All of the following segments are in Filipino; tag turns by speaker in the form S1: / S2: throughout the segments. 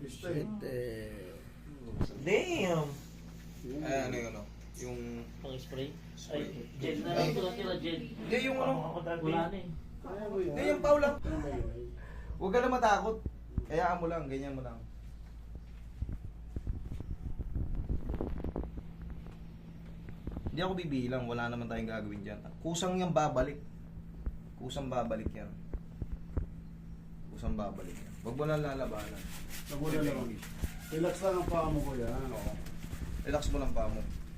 S1: artista eh.
S2: Shit eh.
S3: Damn!
S4: Ay, ano yung ano? Yung...
S3: Pang spray?
S4: Spray.
S3: Ay, gel na lang ito natira, gel.
S4: Hindi, yung ano?
S3: Wala na eh.
S1: Kaya mo yan.
S4: Hindi, yung pau lang.
S1: Ano ba yun?
S4: Huwag ka na matakot. Hayaan mo lang, ganyan mo lang. Hindi ako bibilang, wala naman tayong gagawin dyan. Kusang yung babalik. Kusang babalik yan. Kusang babalik yan. Huwag mo lang lalabanan.
S1: Nagula lang. Relax lang ang paa mo kuya.
S4: Oo. Relax mo lang pa mo.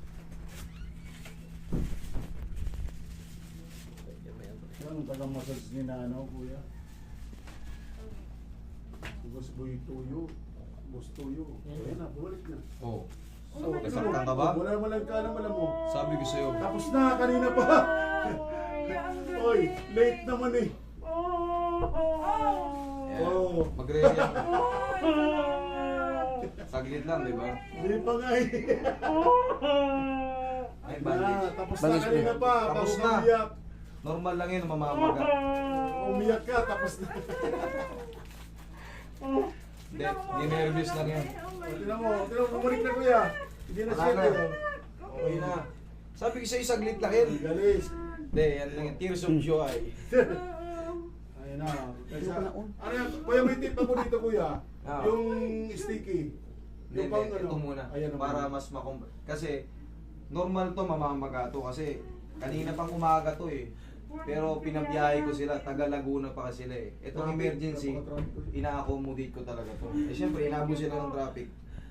S1: Yan ang tagang massage ni Nano kuya. Boss Boy Tuyo. Boss Tuyo. Ayan na, bumalik na.
S4: Oo.
S1: So,
S4: Nasaktan ka ba?
S1: Wala mo lang ka naman mo.
S4: Sabi ko sa'yo.
S1: Tapos na, kanina pa. Oy, late naman eh.
S4: Yeah.
S1: Oh.
S4: Magre-react. Saglit lang, di ba?
S1: Hindi pa nga eh.
S4: Ay,
S1: Na,
S4: bandage.
S1: tapos na
S2: Bandage
S1: kanina pa.
S4: Tapos
S1: Bago
S4: na.
S1: ka umiyak.
S4: Normal lang yun, mamamaga.
S1: Umiyak ka, tapos na.
S4: Hindi, nervous lang yan.
S1: Tignan mo, bumalik na kuya. Hindi na
S4: Wala
S1: siya
S4: na.
S1: kayo.
S4: Okay na. Sabi ko sa'yo, saglit lang yun.
S1: Galis.
S4: Hindi, yan lang yung tears of joy.
S1: Ayun na. Kaysa, ano yan? Kuya, may tip ako dito kuya.
S4: Ah.
S1: Yung sticky.
S4: Hindi,
S1: Yung pang
S4: ito muna.
S1: Ayan naman.
S4: Para mas kasi, normal to, mamamaga to. Kasi, kanina pang umaga to eh. Pero pinabiyahe ko sila, taga Laguna pa kasi sila eh. Itong emergency, ina-accommodate ko talaga to. Eh syempre, inabo sila ng traffic.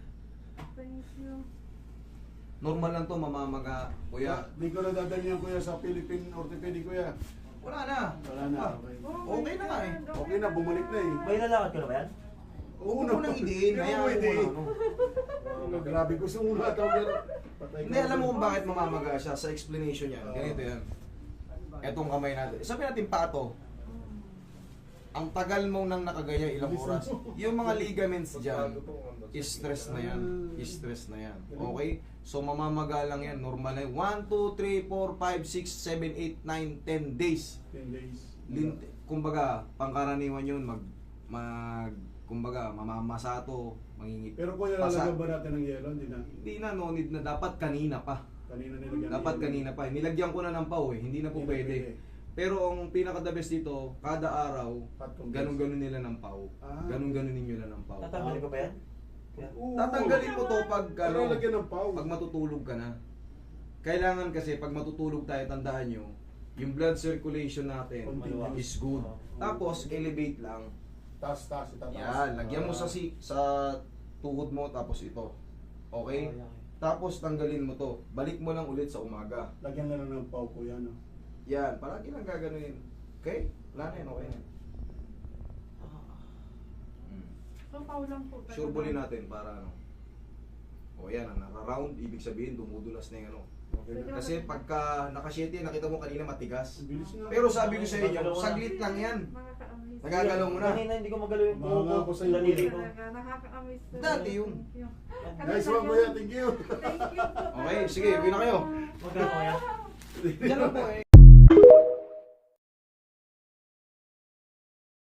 S4: Normal lang to, mamamaga. Kuya,
S1: Di ko na dadalhin yan kuya sa Philippine Orthopedic kuya.
S4: wala na.
S1: Wala na.
S4: Ah,
S1: Okay.
S4: okay na nga eh.
S1: Okay na, bumalik na eh.
S3: May lalakad ka na ba yan?
S4: Huwag mo nang idiin, hayaan mo na ano.
S1: Grabe, gusto mo nga ito pero patay ka.
S4: Hindi, alam mo kung bakit mamamaga siya sa explanation niya. Ganito yan. Etong kamay natin. Sabi natin pato. Ang tagal mo nang nakagaya ilang oras. Yung mga ligaments dyan, stress na yan. Stress na yan. Okay? So mamamaga lang yan. Normal na yan. 1, 2, 3, 4, 5, 6, 7, 8, 9, 10 days.
S1: 10 days.
S4: Kumbaga, pangkaraniwan yun. Kumbaga, mamamasato, mangingit.
S1: Pero kuya,
S4: Pasa-
S1: lalagyan ba natin ng yelo? Hindi na.
S4: Hindi na, no need na. Dapat kanina pa.
S1: Kanina nilagyan.
S4: Dapat kanina pa. Nilagyan ko na ng pau eh. Hindi na po pwede. Pero ang pinaka-the best dito, kada araw, ganun-ganun nila ng pau.
S1: Ah.
S4: Ganun-ganun ninyo na ng pau.
S3: Tatanggalin ko ba yan?
S1: Oo.
S4: Tatanggalin mo to pag
S1: Pero lagyan ng pau.
S4: pag matutulog ka na. Kailangan kasi pag matutulog tayo, tandaan nyo, yung blood circulation natin
S1: Continuous.
S4: is good. Tapos elevate lang.
S1: Taas, itataas.
S4: Yan, lagyan mo sa sa tuhod mo tapos ito. Okay? Tapos tanggalin mo to. Balik mo lang ulit sa umaga.
S1: Lagyan na lang ng pau kuya, no?
S4: Yan, palagi lang gaganunin. Okay? Wala na yan, okay na.
S5: So, paulang po.
S4: Sure ballin natin para ano. O yan, naka-round, ibig sabihin dumudulas na yung ano.
S1: Okay na.
S4: Kasi pagka naka-shete, nakita mo kanina matigas.
S1: Ang bilis nga.
S4: Pero sabi ko sa inyo, saglit lang yan.
S5: Mga ka-amaze.
S4: Nagagalaw mo na.
S3: Kanina hindi ko magalaw yung
S1: Mga
S3: buhok
S1: ako
S3: ko.
S1: sa'yo,
S3: Daliri ko.
S5: Talaga, nakaka-amaze talaga.
S4: Dati yun.
S1: Nice one kuya, thank you.
S5: Thank you po.
S4: Okay, sige, uwi na kayo.
S3: Magkano kaya?
S4: Diyan lang po eh.